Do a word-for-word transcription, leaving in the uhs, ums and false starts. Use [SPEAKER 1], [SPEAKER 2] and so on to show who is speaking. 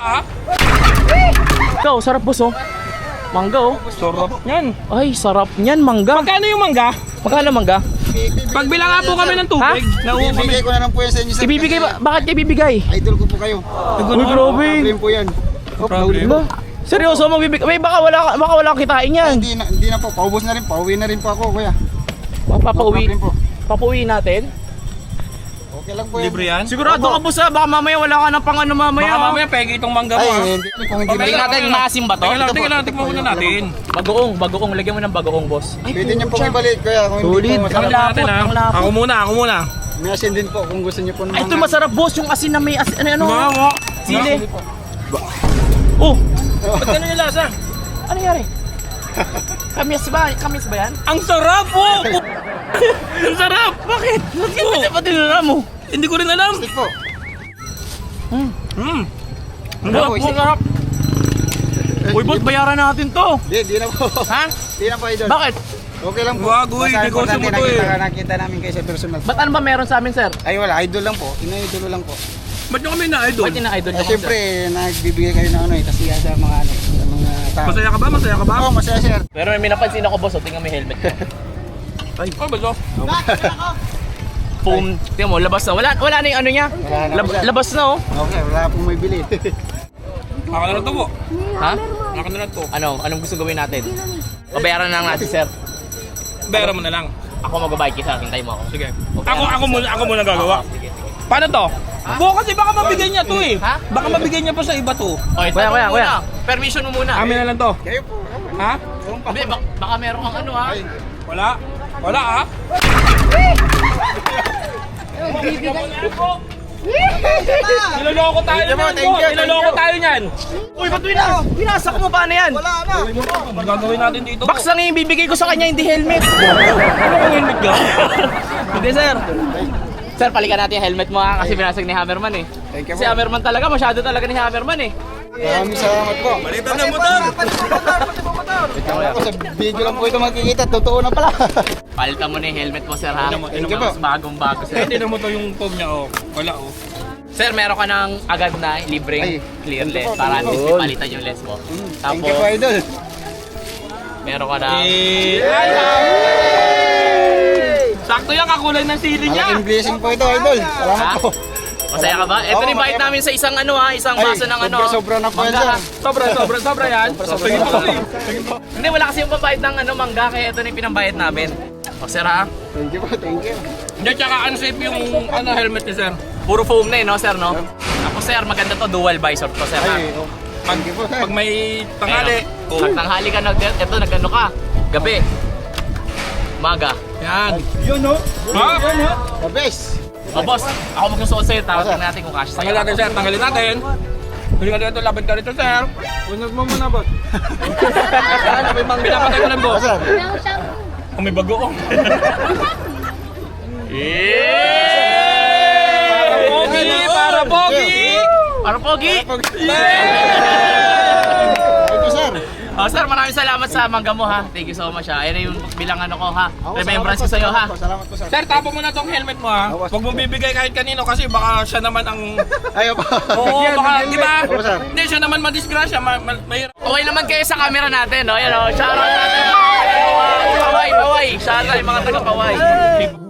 [SPEAKER 1] Ah?
[SPEAKER 2] Ikaw, sarap boss oh. Mangga oh.
[SPEAKER 1] Sarap niyan.
[SPEAKER 2] Ay, sarap niyan mangga.
[SPEAKER 1] Magkano yung mangga?
[SPEAKER 2] Magkano mangga?
[SPEAKER 1] Pagbilang nga po kami ng tubig. Nauwi kami.
[SPEAKER 3] Ibibigay ko na lang po yan sa inyo, sir.
[SPEAKER 2] Ibibigay ba?
[SPEAKER 3] kasi
[SPEAKER 2] Bakit kayo ibibigay?
[SPEAKER 3] Idol ko po kayo.
[SPEAKER 2] Uy, grabe.
[SPEAKER 3] Problem po yan. Oh,
[SPEAKER 1] Problem.
[SPEAKER 2] Ba? Seryoso magbibigay? May baka wala ka- baka wala kang kitain
[SPEAKER 3] Ay,
[SPEAKER 2] yan.
[SPEAKER 3] Hindi na, hindi na po. Paubos na rin. Pauwi na rin po ako, kuya.
[SPEAKER 2] Papauwi.
[SPEAKER 3] No problem po.
[SPEAKER 2] Papauwi natin.
[SPEAKER 3] Okay lang po yan.
[SPEAKER 1] Libre yan?
[SPEAKER 2] Sigurado ka boss ah, baka mamaya wala ka ng pang ano mamaya.
[SPEAKER 1] Baka
[SPEAKER 2] ah.
[SPEAKER 1] mamaya pegi itong mangga mo.
[SPEAKER 3] Ay,
[SPEAKER 1] ah.
[SPEAKER 3] hindi. Kung hindi
[SPEAKER 2] Tingnan
[SPEAKER 3] na
[SPEAKER 2] natin, maasim ba to?
[SPEAKER 1] Teka lang,
[SPEAKER 3] Ito
[SPEAKER 1] teka
[SPEAKER 3] po,
[SPEAKER 1] lang,
[SPEAKER 3] ito
[SPEAKER 1] tikman
[SPEAKER 3] po,
[SPEAKER 1] muna
[SPEAKER 3] ito
[SPEAKER 1] natin.
[SPEAKER 2] Bagoong, bagoong. Lagyan mo ng bagoong boss. Ay,
[SPEAKER 3] Pwede niyo po
[SPEAKER 2] pucha.
[SPEAKER 3] ibalik, kuya. Kung hindi
[SPEAKER 2] Solid.
[SPEAKER 3] po
[SPEAKER 1] Tikman
[SPEAKER 3] masarap.
[SPEAKER 1] natin ha.
[SPEAKER 2] ang lapot.
[SPEAKER 1] Ako muna, ako muna.
[SPEAKER 3] May asin din po kung gusto niyo po ng
[SPEAKER 2] Ay, ito
[SPEAKER 3] mga-
[SPEAKER 2] masarap boss, yung asin na may asin, ano ano?
[SPEAKER 1] Nga mo.
[SPEAKER 2] Sili. Oh,
[SPEAKER 1] Ba't ganun yung lasa?
[SPEAKER 2] ano nangyari? Kamis ba? Kamis ba yan?
[SPEAKER 1] Ang sarap po! Ang sarap!
[SPEAKER 2] Bakit? Bakit
[SPEAKER 1] Oo.
[SPEAKER 2] oh. Ba't tinura mo?
[SPEAKER 1] Hindi ko rin alam.
[SPEAKER 3] Stick po.
[SPEAKER 2] Hmm.
[SPEAKER 1] Hmm. Ang
[SPEAKER 3] Ano
[SPEAKER 1] sarap
[SPEAKER 3] po,
[SPEAKER 1] po.
[SPEAKER 3] isip?
[SPEAKER 2] Sarap. Uy, boss, bayaran natin to.
[SPEAKER 3] Hindi, hindi na po.
[SPEAKER 2] Ha?
[SPEAKER 3] Hindi na po, idol.
[SPEAKER 2] Bakit?
[SPEAKER 3] Okay lang po.
[SPEAKER 1] Wag, uy,
[SPEAKER 3] Basta
[SPEAKER 1] negosyo
[SPEAKER 3] importante,
[SPEAKER 1] mo to eh.
[SPEAKER 3] nakita, nakita namin kayo sa personal.
[SPEAKER 2] Ba't ano ba meron sa amin, sir?
[SPEAKER 3] Ay, wala. Idol lang po. Ina-idol lang po.
[SPEAKER 1] Ba't nyo kami na-idol?
[SPEAKER 2] Ba't ina-idol
[SPEAKER 3] Ay,
[SPEAKER 2] nyo kami,
[SPEAKER 3] siyempre, nagbibigay kayo ng ano eh. Kasi sa mga ano eh. Sa mga tao.
[SPEAKER 1] Masaya ka ba? Masaya ka ba?
[SPEAKER 3] Oo, masaya, sir.
[SPEAKER 2] sir? Pero may napansin ako, boss. O, tingnan mo yung helmet ko.
[SPEAKER 1] Oh, ba't oh?
[SPEAKER 2] Foam. Tingnan mo, labas na. Wala, wala na yung ano niya.
[SPEAKER 3] Wala na
[SPEAKER 2] Lab-
[SPEAKER 3] po, sir.
[SPEAKER 2] labas na, oh.
[SPEAKER 3] Okay, wala pong may bili.
[SPEAKER 1] Ako na lang to po.
[SPEAKER 2] Ha?
[SPEAKER 1] Ako na lang to.
[SPEAKER 2] Ano? Anong gusto gawin natin? Babayaran na lang natin, sir.
[SPEAKER 1] Bera mo na lang.
[SPEAKER 2] Ako magbabayad kita. Hintay mo ako.
[SPEAKER 1] Sige.
[SPEAKER 2] Okay.
[SPEAKER 1] Ako, ako muna, ako muna gagawa.
[SPEAKER 2] Oo, sige, sige.
[SPEAKER 1] Paano to? Bu, kasi baka mabigay niya to eh.
[SPEAKER 2] Ha?
[SPEAKER 1] Baka mabigay niya pa sa iba to.
[SPEAKER 2] Okay, Kuya, kuya, kuya. Permission mo muna.
[SPEAKER 1] Amin na lang to.
[SPEAKER 3] Kayo po.
[SPEAKER 1] Ha?
[SPEAKER 2] Hindi, bak baka meron kang ano, ha?
[SPEAKER 3] Ay,
[SPEAKER 1] Wala. Wala ah. Niloloko tayo
[SPEAKER 3] Thank you po,
[SPEAKER 1] niyan,
[SPEAKER 3] thank
[SPEAKER 1] boss.
[SPEAKER 3] you, thank
[SPEAKER 1] Niloloko
[SPEAKER 3] you.
[SPEAKER 1] tayo niyan.
[SPEAKER 2] Uy, ba't winas? Winasak mo, paano yan?
[SPEAKER 3] wala na.
[SPEAKER 1] Ano gagawin natin dito?
[SPEAKER 2] Box lang yung bibigay ko sa kanya, hindi helmet.
[SPEAKER 1] Ano kung helmet ka?
[SPEAKER 2] Hindi, sir. Sir, palikan natin yung helmet mo, ha? Kasi binasag ni Hammerman, eh.
[SPEAKER 3] Thank you
[SPEAKER 2] Si
[SPEAKER 3] po.
[SPEAKER 2] Hammerman talaga, masyado talaga ni Hammerman, eh.
[SPEAKER 3] Maraming salamat po.
[SPEAKER 1] Balitan ng motor.
[SPEAKER 3] Ako sa video lang po ito makikita. Totoo na pala.
[SPEAKER 2] Palitan mo na yung helmet mo, sir, ha?
[SPEAKER 1] Thank
[SPEAKER 3] you po.
[SPEAKER 2] Mas bagong-bago, sir.
[SPEAKER 1] Eh, tinan mo to yung foam niya oh. Wala oh.
[SPEAKER 2] Sir, meron ka ng agad na libreng
[SPEAKER 3] Ay,
[SPEAKER 2] clear
[SPEAKER 3] thank you
[SPEAKER 2] lens
[SPEAKER 3] po.
[SPEAKER 2] para at least
[SPEAKER 3] Yun.
[SPEAKER 2] ipalitan yung lens mo.
[SPEAKER 3] Thank
[SPEAKER 2] Tapos,
[SPEAKER 3] you po, idol.
[SPEAKER 2] meron ka na...
[SPEAKER 1] Eh, ay, sakto yan, kakulay ng sili niya.
[SPEAKER 3] Malaking blessing po ito, idol. Salamat
[SPEAKER 2] Ha?
[SPEAKER 3] po.
[SPEAKER 2] Masaya ka ba? Ito
[SPEAKER 3] Oo,
[SPEAKER 2] ni invite
[SPEAKER 3] masaya.
[SPEAKER 2] namin sa isang ano ha, isang
[SPEAKER 3] Ay,
[SPEAKER 2] baso ng ano.
[SPEAKER 3] sobra-sobra na po yan,
[SPEAKER 2] mangga,
[SPEAKER 3] sir.
[SPEAKER 2] ha?
[SPEAKER 1] Sobra, sobra, sobra yan.
[SPEAKER 3] Sobra,
[SPEAKER 1] Sige po
[SPEAKER 3] sobra.
[SPEAKER 1] kasi. Sige po.
[SPEAKER 2] Hindi, wala kasi yung pambayad ng ano, mangga, kaya ito na yung pinambayad namin. O sir ha?
[SPEAKER 3] Thank you po, thank you.
[SPEAKER 1] Hindi, tsaka unsafe yung ano, helmet ni sir.
[SPEAKER 2] Puro foam na eh, no sir, no? Ako sir, maganda to, dual visor to sir ha?
[SPEAKER 3] Ay, oh. Thank you po, sir.
[SPEAKER 1] Pag may tangali.
[SPEAKER 2] Ayun. Pag tanghali ka, nag, ito, nagano ka, gabi. Umaga.
[SPEAKER 1] Yan.
[SPEAKER 3] Yun, no?
[SPEAKER 1] Ha?
[SPEAKER 3] Yun, no? The best.
[SPEAKER 2] O boss, ako magsusuot sa'yo, tapos
[SPEAKER 3] Sir.
[SPEAKER 2] tingnan natin kung cash sa'yo.
[SPEAKER 1] Tanggalin natin sir, tanggalin natin. Hindi ka dito, labad ka dito sir. Unag mo muna ba? Ano, may mang pinapatay ko lang
[SPEAKER 3] Oh,
[SPEAKER 1] boss.
[SPEAKER 3] sir.
[SPEAKER 1] Kung may bagoong.
[SPEAKER 2] Yeah!
[SPEAKER 1] Pogi! Para pogi!
[SPEAKER 2] Para pogi!
[SPEAKER 3] Thank you, sir.
[SPEAKER 2] Oh, sir, maraming salamat sa mangga mo ha. Thank you so much ha. Ayan na yung bilang ano ko ha.
[SPEAKER 3] Ako,
[SPEAKER 2] Remembrance ko
[SPEAKER 3] salamat
[SPEAKER 2] sa'yo ha.
[SPEAKER 3] po, Salamat po, sir.
[SPEAKER 1] Sir, tapo mo na tong helmet mo ha. Huwag mo bibigay kahit kanino kasi baka siya naman ang...
[SPEAKER 3] Ayaw po.
[SPEAKER 1] Oo, baka, di ba?
[SPEAKER 3] Opo, sir.
[SPEAKER 1] Hindi, siya naman madisgrasya. Ma ma mahirap.
[SPEAKER 2] Okay naman kayo sa camera natin, no? Yan o, shoutout natin. Paway, paway. Shoutout yung mga taga-paway.